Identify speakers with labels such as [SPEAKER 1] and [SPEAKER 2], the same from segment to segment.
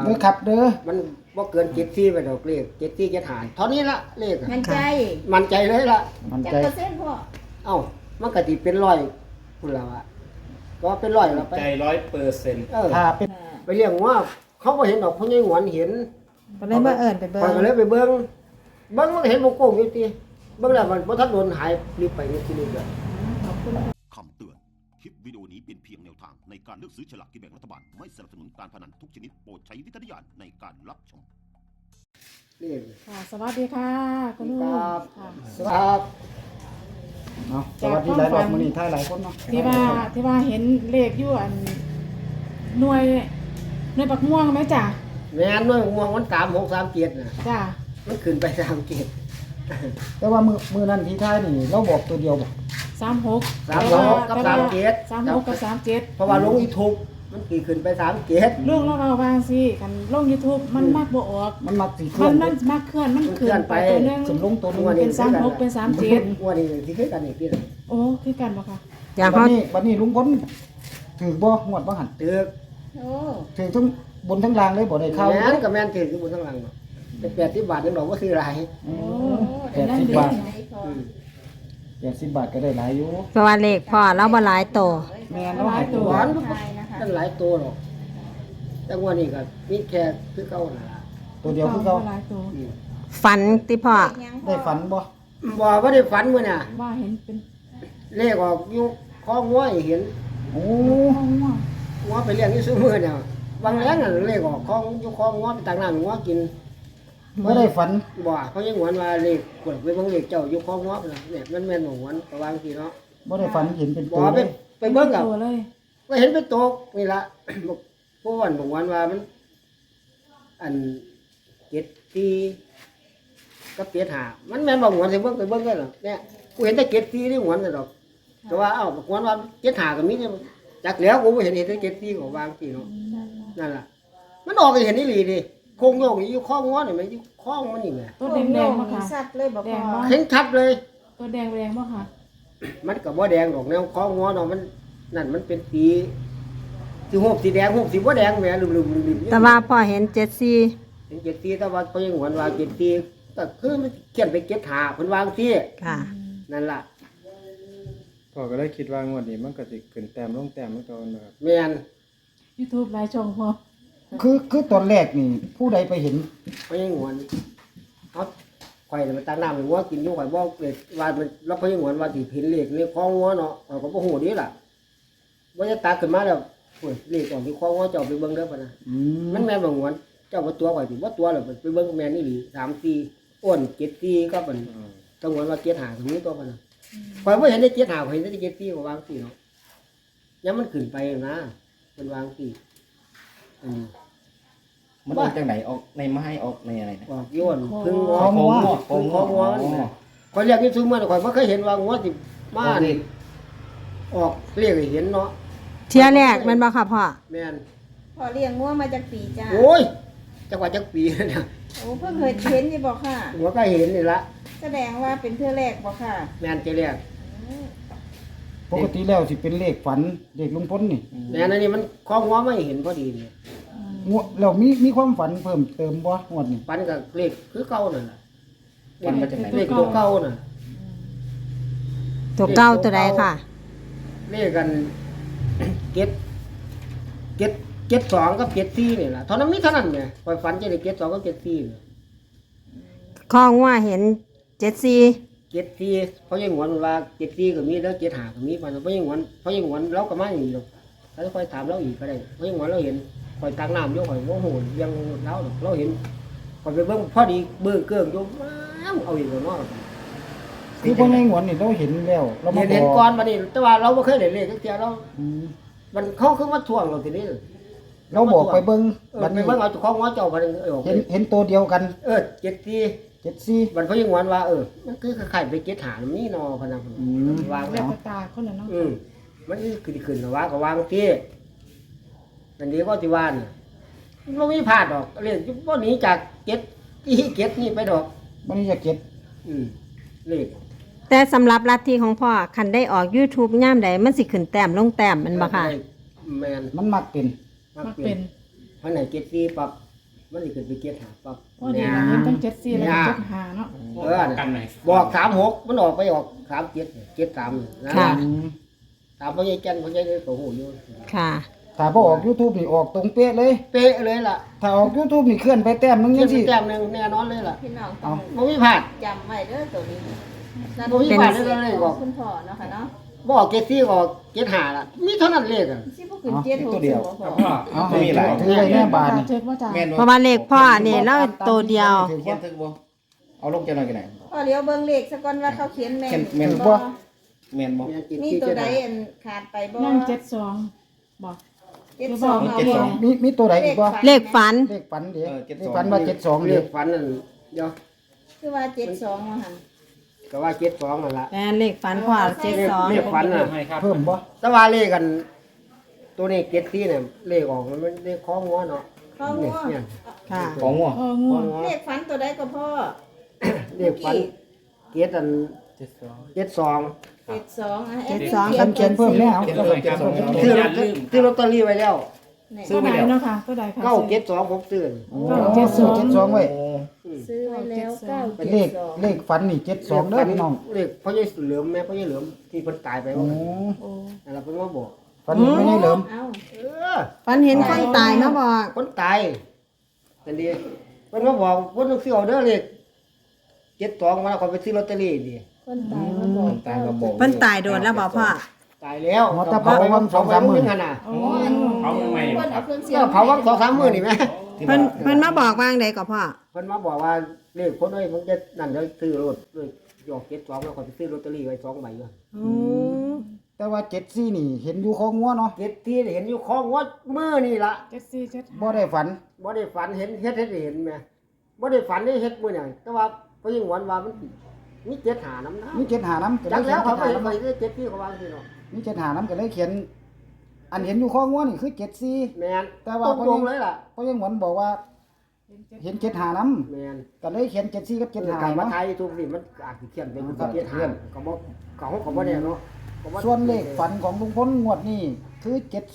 [SPEAKER 1] เด้อครับเด้อ
[SPEAKER 2] มันบ่เกิน74ไปดอกเลข74 75เท่านี้ละเลขอะ
[SPEAKER 3] มั่นใจ
[SPEAKER 2] มั่นใจเลยล่ะ
[SPEAKER 1] มัน
[SPEAKER 3] จัก
[SPEAKER 1] ใจ
[SPEAKER 3] เปอร์เซ็นต์พ่อ
[SPEAKER 2] เอ้ามันก็สิเป็น100พุ่นแล้วอะก็เป็น100แล้วไป
[SPEAKER 4] ใจ100%
[SPEAKER 2] เออ
[SPEAKER 1] ถ้าเป็น
[SPEAKER 2] ไปเลี้ยงว่าเขาบ่เห็นดอกพ่อใหญ่หวนเห็น
[SPEAKER 5] ก็เลยมาเอิ้นไปเบิ่
[SPEAKER 2] ข้อย
[SPEAKER 5] ง
[SPEAKER 2] ก็เลยไปเบิ่งมันก็เห็นบ่โกงอยู่ติเบิ่งแล้วมันบ่ทันโดนหายรีบไปนี่ทีนี้ก็
[SPEAKER 6] คำเตือน คลิปวิดีโอนี้เป็นเพียงแนวทางในการเลือกซื้อฉลากกินแบ่งรัฐบาล ไม่สนับสนุนการพนันทุกชนิดโปรดใช้วิจารณญาณในการรับชม
[SPEAKER 2] นี่
[SPEAKER 5] ค่ะสวัสดีค่ะคุณลุง
[SPEAKER 2] ครับ
[SPEAKER 5] ค่ะ
[SPEAKER 2] ครับ
[SPEAKER 1] เนาะสวัสดีหลายรอบมื้อนี้ท่ายหลายคนเนาะ
[SPEAKER 5] ที่ว่าเห็นเลขอยู่อันหน่วยปักม่วงไหมจ้ะ
[SPEAKER 2] แม่นน้อยม่วงมัน3637น่ะ
[SPEAKER 5] จ้ะ
[SPEAKER 2] มันขึ้นไป37
[SPEAKER 1] แต่ว่ามื้อนั้นที่ท่ายนี่เราบอกตัวเดียวบ่
[SPEAKER 5] 36
[SPEAKER 2] 36กับ37
[SPEAKER 5] 36กับ37
[SPEAKER 2] เพราะว่าลงอีทุกมันกี่ขึ้นไป37
[SPEAKER 5] ลุงเราวางสิกันลง YouTube มันมักบ่ออก
[SPEAKER 1] มันมักสิเค
[SPEAKER 5] มั
[SPEAKER 1] ลื่อน น
[SPEAKER 5] มันมักเคลื่อนมันขึ้นไปตัวหนึง
[SPEAKER 1] ขึ้นลงตัวหนึง
[SPEAKER 5] เป็น36เป็น37
[SPEAKER 2] งวดนี้ที่คือกันอีกทีนึง
[SPEAKER 5] โอ้คือกันบ่ค่ะ
[SPEAKER 1] บัดนี้ลุงพลถือบ่งวดบ่หัน
[SPEAKER 2] ตึก
[SPEAKER 3] โอ้
[SPEAKER 1] ถือทั้งบนทั้งล่างเลยบ่ได้เข้า
[SPEAKER 2] แม่นกับแม่นถืออยู่บนข้างหลังเนาะแต่80 บาทยังบอกว่าซื้อหลาย
[SPEAKER 1] อื
[SPEAKER 3] โอ้
[SPEAKER 1] ม
[SPEAKER 3] ได้
[SPEAKER 1] 80 บาท
[SPEAKER 3] ไหนพ่อ
[SPEAKER 1] 80 บาทก็ได้หลายอยู่
[SPEAKER 7] เพราะว่าเลขพ่อเราบ่หลายโต
[SPEAKER 1] แม่นเนาะให้ตัว
[SPEAKER 2] หวาน
[SPEAKER 3] ไทยนะคะ
[SPEAKER 2] นั่นหลายตัวหรอกแต่งวดนี้ก็มีแค่คือเก่าน่ะล่ะ
[SPEAKER 1] ตัวเดียวคือเขา
[SPEAKER 5] หลายตัว
[SPEAKER 2] อืม
[SPEAKER 7] ฝันติพ่อ
[SPEAKER 3] ยังพ่อ
[SPEAKER 1] ได้ฝันบ่
[SPEAKER 2] บ่ว่าได้ฝันมื้อน่ะ
[SPEAKER 5] ว่าเห็นเป็น
[SPEAKER 2] เลขออกอยู่คองัวให้เห็น
[SPEAKER 1] โอ้
[SPEAKER 5] ม่วง
[SPEAKER 2] งัวไปเลี้ยงอยู่ซุมื้อเนี่ยบางแรงน่ะเลขออกคออยู่คองัวไปตักน้ำงัวกิน
[SPEAKER 1] บ่ได้ฝัน
[SPEAKER 2] บ่เขายังหวนว่าเลขกดไปเบิ่งเลขเจ้าอยู่คองัวพุ่นน่ะเนี่ยมันแม่นบ่หวนก็วางสิเนาะ
[SPEAKER 1] บ่ได้ฝันเห็นเป็น
[SPEAKER 2] บ่
[SPEAKER 1] ตัว
[SPEAKER 2] ไป
[SPEAKER 1] เลย
[SPEAKER 2] ไปเบิ่งกับ
[SPEAKER 5] ตัวเลย
[SPEAKER 2] ก็เห็นเป็นโตกนี่ล่ะ ผู้วันบอกวันว่ามันอัน74กับ75มันแม่นบ่หวนสิเบิ่งไปเบิ่งกันหรอเนี่ยกูเห็นแต่74นี่หวนน่ะดอกแต่ว่าเอ้าบอกว่า75ก็มีเนี่ยจักแล้วกูบ่เห็นแต่74ก็วางสิเนาะนั่นล่ะมันออกให้เห็นอีหลีดิโคงโยกนี่อยู่ข้องงัวนี่แม่อยู่ข้องมันนี่แม่
[SPEAKER 5] ตัวแดงๆบ่ค่ะ
[SPEAKER 3] สัตว์เลยบอก
[SPEAKER 5] แด
[SPEAKER 3] พ่
[SPEAKER 5] ง
[SPEAKER 3] อ
[SPEAKER 5] บ่
[SPEAKER 2] เห็นชัดเลย
[SPEAKER 5] ตัวแดงบ่ค่ะ
[SPEAKER 2] มันก็บ่แดงดอกแนวข้องงัวเนาะมันนั่นมันเป็นสีหูบสีแดงหูบสีบ่แดงแหม่ลืมๆๆ
[SPEAKER 7] แต่ว่าพ่อเห็น74
[SPEAKER 2] เป็น74แต่ว่าเขายังหวนว่า74ก็คือมันเขียนไป75เพิ่นวาจั่งซี้
[SPEAKER 7] ค่ะ
[SPEAKER 2] นั่นล่ะ
[SPEAKER 4] พ่อก็เลยคิดว่างวดนี้มันก็สิขึ้นแต้มลงแต้มเหมือนเก่านะครับ
[SPEAKER 2] แม่น
[SPEAKER 5] YouTube หลายช่องพ่อ
[SPEAKER 1] คือตอนแรกนี่ผู้ใดไปเห็น
[SPEAKER 2] เขายังหวนเอาข่อยน่ะมันตักน้ำให้งัวกินอยู่ข่อยบ่เลยว่ามันแล้วเขายังหวนว่าสิเห็นเลขในข้องงัวเนาะข่อยก็บ่ฮู้เด้ล่ะว่าจะตักขึ้นมาแล้วโอ้ยเลขออกที่ข้องงัวเจ้าไปเบิ่งเด้อพุ่นน่ะ
[SPEAKER 1] อืม
[SPEAKER 2] มันแม่นบ่หวนเจ้าบ่ตัวข่อยสิบ่ตัวแล้วไปเบิ่งแม่นอีหลี3 4อ้วน7 4ก็มันต้องหวนว่า7 5ตรงนี้ตัวมันน่ะข่อยบ่เห็นได้7 5ข่อยเห็นได้7 4ก็วาง4เนาะยังมันขึ้นไปนะมันวาง4อันนี้
[SPEAKER 8] มันออกจากไหนออกในไม้ออกในอะไรนะ
[SPEAKER 2] ออกโย้อนพึ่งงอ
[SPEAKER 1] ของงัว
[SPEAKER 2] พึ่งของงัวนี่นะข่อยเรียกนี่ซุมื้อข่อยบ่เคยเห็นว่างัวสิมานี่ออกเรียกให้เห็นเนาะ
[SPEAKER 7] เที่ยแรกแมันบ่ค่ะพ่อ
[SPEAKER 2] แม่น
[SPEAKER 3] พ่อเลี้ยงงัวมาจากปีจ้า
[SPEAKER 2] โอ้ยจักว่าจักปีแล้วเนี่ย
[SPEAKER 3] โอ้เพิ่งเคยเห็นนี่บอกค่ะ
[SPEAKER 2] หัวก็เห็นนี่ละ
[SPEAKER 3] แสดงว่าเป็นเทื่อแรกบอกค่ะ
[SPEAKER 2] แม่นจะเรียก
[SPEAKER 1] ปกติแล้วสิเป็นเลขฝันเลขลุงพลนี่
[SPEAKER 2] แม่นอันนี้มันของงัวไม่เห็นพอดีนี่
[SPEAKER 1] งวดแล้วมีความฝันเพิ่มเติมบ่งวดนี้
[SPEAKER 2] ปันกับเลขคือเก่านั่นล่ะ
[SPEAKER 8] มันมาจากไหน
[SPEAKER 2] เลขตัวเก่าน่ะ
[SPEAKER 7] ตัวเก้าตัวใดค่ะ
[SPEAKER 2] เลขกัน 7 2กับ74นี่ล่ะเท่านั้นมีเท่านั้นไงข่อยฝันจะได้7 2กับ74นี่
[SPEAKER 7] ข้องว่าเห็น74
[SPEAKER 2] 74เขายังหวนว่า74ก็มีแล้ว75ก็มีปานนั้นเขายังหวนเราก็มาอย่างนี้ดอกแล้วค่อยถามเราอีกก็ได้เขายังหวนเราเห็นข่อยตักน้ำอยู่ข่อยบ่ฮู้ยังเราดอกเราเห็นข่อยไปเบิ่งพอดีเบิ่งเกิ้งอยู่ว้าวเอาอีกแล้วเนาะ
[SPEAKER 1] คือบ่ในงวดนี่เราเห็นแล้วเรามา
[SPEAKER 2] เห็น
[SPEAKER 1] บอก
[SPEAKER 2] ก่อนบัดนี้แต่ว่าเราบ่เคยได้เลขจักเที่ยเรา
[SPEAKER 1] อืม
[SPEAKER 2] มันเขาคือมาทวงเราทีนี้
[SPEAKER 1] เราบอกไปเบิ่ง
[SPEAKER 2] บั
[SPEAKER 1] บั
[SPEAKER 2] ด
[SPEAKER 1] ด
[SPEAKER 2] ไป
[SPEAKER 1] นี้
[SPEAKER 2] เบิ่งเอาเจ้าของหัวเจ้าบัดนี้
[SPEAKER 1] เห็นตัวเดียวกัน
[SPEAKER 2] 74
[SPEAKER 1] 74
[SPEAKER 2] บัดเขายังหวนว่ามันคือคล้ายๆไป75มันนี่เนาะพะนันวาง
[SPEAKER 5] แล้
[SPEAKER 2] แล้ว ว
[SPEAKER 5] ตาคนละเนาะ
[SPEAKER 2] มันขึ้นแล้วว่าก็วางที่อันนี้ก็สิว่าน่ะบ่มีพลาดดอกเลขบ่หนีจาก7ที่7นี่ไปดอก
[SPEAKER 1] บัดนี้จะเก็บ
[SPEAKER 2] เลข
[SPEAKER 7] แต่สำหรับลัทธิของพ่อคันได้ออก YouTube ย่ามใดมันสิขึ้นแต้มลงแต้มแมันบ่ค่ะ
[SPEAKER 2] แม่น
[SPEAKER 1] มันมักเป็น
[SPEAKER 2] มั
[SPEAKER 5] มั
[SPEAKER 2] ก
[SPEAKER 5] ก
[SPEAKER 2] เป็
[SPEAKER 5] เป็น น
[SPEAKER 2] พันไหน74ปรับมันสิขึ้นไปเจ็ดหาปั๊บ
[SPEAKER 5] พอดีเราเห็นตั้ง74แล้วก็75เนาะ
[SPEAKER 8] กันหน่อย
[SPEAKER 2] บอก36มันออกไปออก37 73นะ
[SPEAKER 7] ค่ะ
[SPEAKER 2] ตามพ่อใหญ่แก่นพ่อใหญ่เลยก็ฮู้อยู่
[SPEAKER 7] ค่ะ
[SPEAKER 1] ถ้าบ่ออก YouTube นี่ออกตรงเป๊ะเลย
[SPEAKER 2] เป๊ะเลยล่ะ
[SPEAKER 1] ถ้าออก YouTube นี่เคลื่อนไปแต้มนึง
[SPEAKER 2] เงิ
[SPEAKER 1] จั
[SPEAKER 2] น
[SPEAKER 1] งซี่
[SPEAKER 2] แต้มหนึงแน่นอนเลยล่ะ
[SPEAKER 3] พี่น้องต้อง
[SPEAKER 2] บ่มีพลาด
[SPEAKER 3] จำไว้เด้อตัวนี้นั่น
[SPEAKER 2] บ่มีพลาดเลยเลยบอก
[SPEAKER 3] คุณพ่อเนาะค่ะเนาะ
[SPEAKER 2] บอกเจ็ดสี่บอกเจ็ดหาล่ะมีเท่านั้นเลขอ่ะ
[SPEAKER 3] สิบ่ขึ้นเจ็ดหกสิบ่พ่อ
[SPEAKER 1] เอา
[SPEAKER 8] ไม่มีหลาย
[SPEAKER 1] ถือไว้แน่บาทนี่
[SPEAKER 5] เช็คว่าจ้า
[SPEAKER 8] แม่น
[SPEAKER 7] เพราะว่าเลขพ่อนี่แล้วตัวเดียว
[SPEAKER 8] เขียนถึกบ่เอาลงจะหน่อยกันไหน
[SPEAKER 3] พ่อเลี้ยวเบิ่งเลขซะก่อนว่าเขาเขียนแม่น
[SPEAKER 8] แม่น
[SPEAKER 3] บ่
[SPEAKER 8] แม่นบ่
[SPEAKER 3] มีตัวใดอันขาดไปบ่
[SPEAKER 5] ยัง72บอก
[SPEAKER 3] 72เอาบ่
[SPEAKER 1] มีตัวใดอีกบ่
[SPEAKER 7] เลขฝัน
[SPEAKER 1] เลขฝันเด้
[SPEAKER 8] เออ
[SPEAKER 1] เลขฝันว่า72
[SPEAKER 2] เล
[SPEAKER 1] เด้
[SPEAKER 2] ขฝันนั่นเดี๋ยว
[SPEAKER 3] คือว่า72ว่าหั่น
[SPEAKER 2] ก็ว่าเจ็ดสองนั่นล่ะ
[SPEAKER 7] แม่นเลขฝันพ่อ
[SPEAKER 2] เลขฝันน่ะ
[SPEAKER 1] เพิ่มบ่
[SPEAKER 2] แต่ว่าเลขกัน ตัวนี้เจ็ดสี่เนี่ยเลขออกมันเลขของงัวเนาะ
[SPEAKER 3] พ่อ
[SPEAKER 2] เนี่
[SPEAKER 3] งั
[SPEAKER 2] ยว เนี่ย
[SPEAKER 7] ค่ะ
[SPEAKER 8] ของงัว
[SPEAKER 5] เออง่วง
[SPEAKER 3] เลขฝันตัวใดก็พ่อ
[SPEAKER 2] เลขฝันเจ็ดอันเจ็ดสอง
[SPEAKER 3] 72อ่ะ
[SPEAKER 7] 72
[SPEAKER 1] เขียนเพิ่มแล้วเอา
[SPEAKER 2] ซื้อลอตเตอรี่ไว้แล้ว
[SPEAKER 5] ตัวใดเนาะค่ะตัวใดค่ะ
[SPEAKER 2] เก้าเจ็ดสองผมซื้อ
[SPEAKER 1] 72ไว้
[SPEAKER 3] ซื้อไว้แล้ว9
[SPEAKER 1] เป็นเลขฝันนี่72เด้อพี่น้อง
[SPEAKER 2] เลขพ่อใหญ่เหลือมแม่พ่อใหญ่เหลือมที่เพิ่นตายไป
[SPEAKER 1] โอ้
[SPEAKER 2] ว่า
[SPEAKER 5] โอ้
[SPEAKER 2] นั่นล่ะเพิ่นมาบอก
[SPEAKER 1] ฝันนี่ไม่ได้เหลิม
[SPEAKER 3] เอ้า
[SPEAKER 7] ฝันเห็นคนตายมาบอก
[SPEAKER 2] คนตายนั่นดีเพิ่นมาบอกเพิ่นต้องซื้อเอาเด้อเลขเจ็ดสองมาแล้วก็ไปซื้อลอตเตอรี่ดิ
[SPEAKER 3] คนตายมาบอก
[SPEAKER 8] ตายมาบอก
[SPEAKER 7] เพิ่นตายโดนแล้วบอกพ่อ
[SPEAKER 2] ตายแล้ว
[SPEAKER 1] หัวตะเผาวัน2-3 มื้อ
[SPEAKER 2] หั่นน่ะ
[SPEAKER 5] โอ้
[SPEAKER 3] เพิ่นเอาเครื่องเสีย
[SPEAKER 2] ก็
[SPEAKER 3] ง
[SPEAKER 2] เผาวัง2-3 มื้อนี่แม่
[SPEAKER 7] เพิ่นมาบอกว่างใดก็พ่อ
[SPEAKER 2] เพิ่นมาบอกว่าเลขคนเอ้ยมึงจะนั่นเดี๋ยวซื้อรถเลยยอก72แล้วก็ไปซื้อลอตเตอรี่ไว้2ใบอยู่
[SPEAKER 1] แต่ว่า74นี่เห็นอยู่ของงัวเนาะ
[SPEAKER 2] เจ็ดที่เห็นอยู่ของวัดมื้อนี่ล่ะ
[SPEAKER 5] 7475
[SPEAKER 1] บ่ได้ฝัน
[SPEAKER 2] บ่ได้ฝันเห็นเฮ็ดให้เห็นแม่บ่ได้ฝันได้เฮ็ดมื้อนี่แต่ว่าพอยิ่งหวนว่ามันมี75นำนะ
[SPEAKER 1] มี75นำก็
[SPEAKER 2] จั
[SPEAKER 1] เลย
[SPEAKER 2] ก
[SPEAKER 1] เขี
[SPEAKER 2] แล้
[SPEAKER 1] ย
[SPEAKER 2] วน เขาไป
[SPEAKER 1] 75
[SPEAKER 2] ไป
[SPEAKER 1] นำ
[SPEAKER 2] ได้7ที่เขาว่าสิเนาะ
[SPEAKER 1] มี75นำก็เลยเขียน อันเห็นอยู่ของงัวนี่คือ74
[SPEAKER 2] แม่น
[SPEAKER 1] แต่ว่า
[SPEAKER 2] ตรงๆเลยล่ะ
[SPEAKER 1] เพราะยังหวนบอกว่า เห็น75นำ
[SPEAKER 2] แม่น
[SPEAKER 1] ก็เลยเขียน74กับ
[SPEAKER 2] การมา
[SPEAKER 1] 75
[SPEAKER 2] ไท
[SPEAKER 1] เนาะ
[SPEAKER 2] ยทุกนี่มันอาจสิเขียนเป็น
[SPEAKER 1] ครับ
[SPEAKER 2] 75ก็บ่ก็บ่ได้เนาะก็บ่
[SPEAKER 1] ส่วนเลขฝันของลุงพลงวดนี้คือ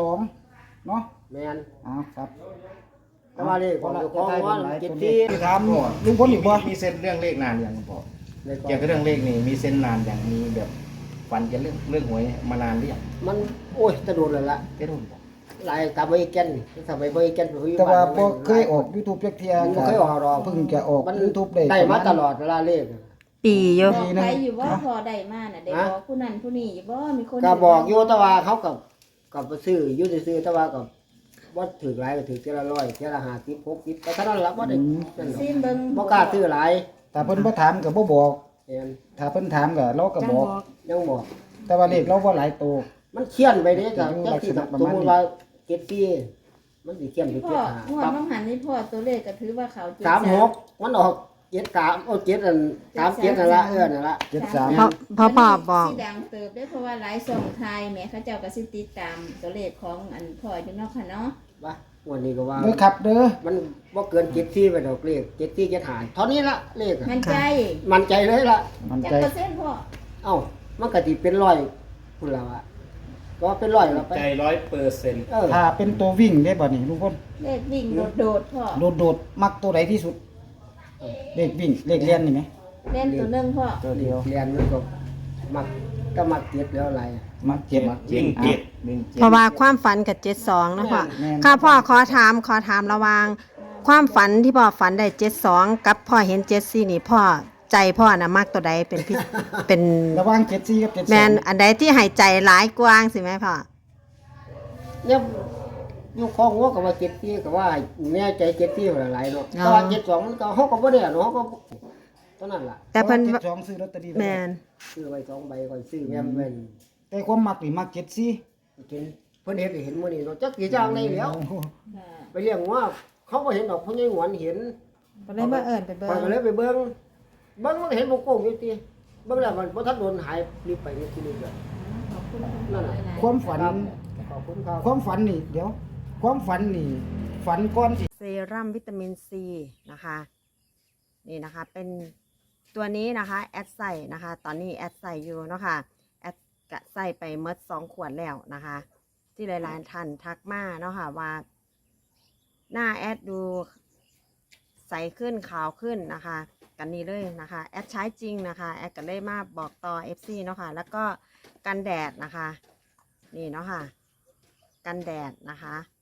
[SPEAKER 1] 72เนาะ
[SPEAKER 2] แม่น
[SPEAKER 1] เอาครับ
[SPEAKER 2] แต่ว่าเลขของเจ้าของว่า7ที่
[SPEAKER 1] ถามลุงพลอีกบ่
[SPEAKER 8] มีเส้นเรื่องเลขนานอย่างคุณพ่อ
[SPEAKER 2] เลข
[SPEAKER 8] เกี่ยวกับเรื่องเลขนี่มีเส้นนานอย่างมีแบบฝันเกี่ยวกับเรื่องหวยมานานหรือยัง
[SPEAKER 2] มันโอ้ยจะโดนแล้วล่ะ
[SPEAKER 8] เจ้ารุ่นบ่
[SPEAKER 2] หลายตามไปแก่นถ้าไปบ่แก่นไปอยู่
[SPEAKER 1] แต่ว่า
[SPEAKER 2] บ้น
[SPEAKER 1] บ่เคยออก YouTube จักเที่ย
[SPEAKER 2] บ่เคยออกหรอก
[SPEAKER 1] เพิ่งจะออก
[SPEAKER 2] มัน
[SPEAKER 1] YouTube ได้
[SPEAKER 2] ได้มาตลอดเวลาเลข
[SPEAKER 7] ปีอยู่
[SPEAKER 3] บอกไปอยู่ว่าพอได้มาน่ะได้บอกผู้นั้นผู้นี้อยู่บ่มีคน
[SPEAKER 2] ก็บอกอยู่แต่ว่าเขากับไปซื้ออยู่ซื้อแต่ว่าก็บ่ถือหลายก็ถือเท่าละ100เท่าละ50 60แต่เท่านั้นล่ะบ่ได้นั่นหรอก
[SPEAKER 3] ซิมเบิ่ง
[SPEAKER 2] บ่กล้าซื้อหลาย
[SPEAKER 1] ถ้าเพิ่นบ่ถามก็บ่บอก
[SPEAKER 2] เห็น
[SPEAKER 1] ถ้าเพิ่นถามก็เราก็
[SPEAKER 5] จัง
[SPEAKER 1] บบ อ
[SPEAKER 5] อก ก
[SPEAKER 2] ยังบอก
[SPEAKER 1] แต่ว่าเลขเราบ่หลายตัว
[SPEAKER 2] มันเขียนไปเด้จ้ะ
[SPEAKER 1] อยู่
[SPEAKER 2] จั
[SPEAKER 1] ลั
[SPEAKER 2] ง
[SPEAKER 1] ก
[SPEAKER 2] ซี่
[SPEAKER 1] ษณะประ
[SPEAKER 2] ส
[SPEAKER 1] มาณ
[SPEAKER 2] ม
[SPEAKER 1] นี้
[SPEAKER 2] มุติว่า74มันสิเขียนไป
[SPEAKER 3] พ่อ
[SPEAKER 2] 75
[SPEAKER 3] งวด
[SPEAKER 2] ปั๊บ
[SPEAKER 3] ต้องหันนี่พ่อตัวเลขก็ถือว่าเขาจุด
[SPEAKER 2] 36มันออก73โอ้7อัน37นั่นล่ะนั่นล่ะ
[SPEAKER 1] 73
[SPEAKER 7] พ่อบอก
[SPEAKER 3] สิดังเติบได้เพราะว่าหลายช่องไทยแหม่เขาเจ้าก็สิติดตามตัวเลขของอันพ่ออยู่เนาะค่ะเนาะ
[SPEAKER 2] ว่าวันนี้ก็ว่า
[SPEAKER 1] เด้อครับเด้อ
[SPEAKER 2] มันบ่เกิน74ไปดอกเลข74 75เท่านี้ละเลขอะ
[SPEAKER 3] มันใจ
[SPEAKER 2] มั่นใจเลยล่ะ
[SPEAKER 1] มัน
[SPEAKER 3] จัก
[SPEAKER 1] ใจ
[SPEAKER 3] เปอร์เซ็นต์พ่อ
[SPEAKER 2] เอ้ามันก็สิเป็น100พุ่นแล้วอะก็เป็น100แล้วไป
[SPEAKER 8] ใจ100%
[SPEAKER 1] ถ้าเป็นตัววิ่งได้บ่นี่ลุงพล
[SPEAKER 3] เลขวิ่งโดดๆพ่อ
[SPEAKER 1] โดดๆมักตัวใดที่สุด เลขวิ่งเลขเรียนนี่ไหม
[SPEAKER 3] เล่นตัวหนึงพ่อ
[SPEAKER 1] ตัวเดียว
[SPEAKER 2] เรียนมันก็มักก็มักเก็บแล้วอะไรอะ
[SPEAKER 1] มักเจ็บ
[SPEAKER 8] วิ่งเจ็ดวิ่งเจ็ด
[SPEAKER 7] เพราะว่าความฝันกับ72นะพ่อ
[SPEAKER 1] แม่น
[SPEAKER 7] ค่ะพ่อขอถามระหว่างความฝันที่พ่อฝันได้72กับพ่อเห็น74นี่พ่อใจพ่อน่ะมักตัวใดเป็นพิ เป็น
[SPEAKER 1] ระหว่าง74กับ72
[SPEAKER 7] แมนอันใดที่ให้ใจหลายกว้างสิแม่พ่อ
[SPEAKER 2] เนี่ยอยู่ของหัวก็ว่า74ก็ว่าแน่ใจ74หลายๆเนาะแต่ว่า72มันก็เฮาก็บ่ได้อะเนาะเฮาก็เท่านั้นล่ะ
[SPEAKER 7] แต่เพิ่น
[SPEAKER 1] 72ซื้อลอตเตอรี่ไว้
[SPEAKER 7] แมน
[SPEAKER 2] ซื้อไว้2ใบก่อนซื้อแม่นแม่น
[SPEAKER 1] แต่ความมักนี่มัก74
[SPEAKER 2] กินเพิ่นเฮ็ดให้เห็นมื้อนี้เนาะจักสิจ้างได้แล้ว
[SPEAKER 3] ค่ะ
[SPEAKER 2] ไปเลี้ยงว่าเขาบ่เห็นดอกเพิ่นยังหวนเห็น
[SPEAKER 7] ก็เลยมาเอิ้นไปเบิ่
[SPEAKER 2] ข้อยก็เลยไปเบิ่งมันเห็นบ่โกงอยู่ติเบิ่งแล้วมันบ่ทันโดนหายรีบไปนี่ทีนี้เด้อ
[SPEAKER 3] ขอบคุณ
[SPEAKER 2] นั่นน่ะ
[SPEAKER 1] ความฝัน
[SPEAKER 2] ขอบคุณครับ
[SPEAKER 1] ความฝันนี่เดี๋ยว ความฝันนี่ฝันก่อนสิ
[SPEAKER 7] เซรั่มวิตามินซีนะคะนี่นะคะเป็นตัวนี้นะคะแอดใส่นะคะตอนนี้แอดใส่อยู่เนาะค่ะแอดกะใส่ไปเมด2 ขวดแล้วนะคะ ที่หลายๆท่านทักมาเนาะค่ะว่าหน้าแอดดูใสขึ้นขาวขึ้นนะคะ กันนี้เลยนะคะแอดใช้จริงนะคะแอดก็เลยมาบอกต่อ FC เนาะค่ะแล้วก็กันแดดนะคะนี่เนาะค่ะกันแดดนะคะ